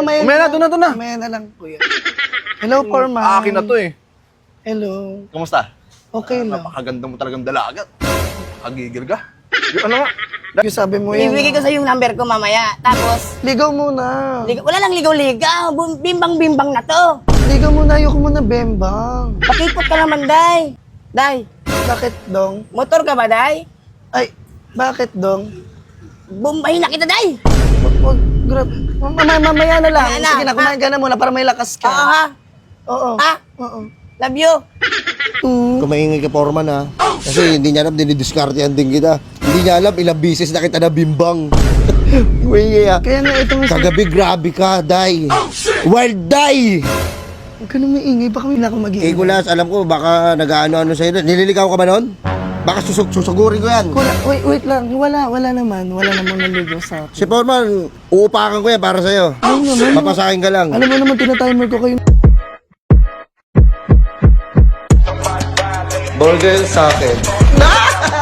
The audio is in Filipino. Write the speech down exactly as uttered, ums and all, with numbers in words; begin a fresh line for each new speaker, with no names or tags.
mamaya
Mamaya na, doon na, doon na.
Mamaya na lang, kuya. Hello, Foreman.
Akin na to eh.
Hello.
Kamusta?
Okay lang.
Napakaganda mo talagang dalaga. Nakagigil ka. Yung ano nga?
Yung sabi mo yan.
Ibibigay ko sa yung number ko mamaya. Tapos,
Ligaw muna.
ligaw, wala lang ligaw-ligaw. Bum- Bimbang-bimbang na to.
Ligaw muna, ayoko muna bembang.
Pakipot ka naman, Day. Day,
Bakit, Dong?
motor ka ba, Day?
Ay, bakit, Dong?
Bumbahin na kita, Day.
Wag, wag, grab. Mamaya, mamaya na lang.
Mamaya na,
Sige na, kumain ka na muna para may lakas ka.
Oo, ha?
Oo.
Ha?
Oo.
Love you.
Mm.
Kung maingay ka, Foreman, ha? Kasi hindi niya alam, dinidiskartehan din kita. Hindi niya alam, ilang bisis na kita nabimbang. Maingay, ha?
Kaya nga itong...
Kagabi, grabe ka, Day. Wild Day!
Huwag ka nang maingay, baka may na ako
Eh,
mag-iingay.
Kulas, alam ko, baka nag-ano-ano sa'yo. Nililigaw ka ba nun? Baka susug susugurin ko yan.
Wala, wait, wait lang. Wala, wala naman. Wala namang naligaw sa akin.
Si Foreman, uupakan ko yan para sa'yo.
Ay, naman.
Papasakin ka lang.
Alam mo naman, tinatimer ko kayo.
Burger sa akin.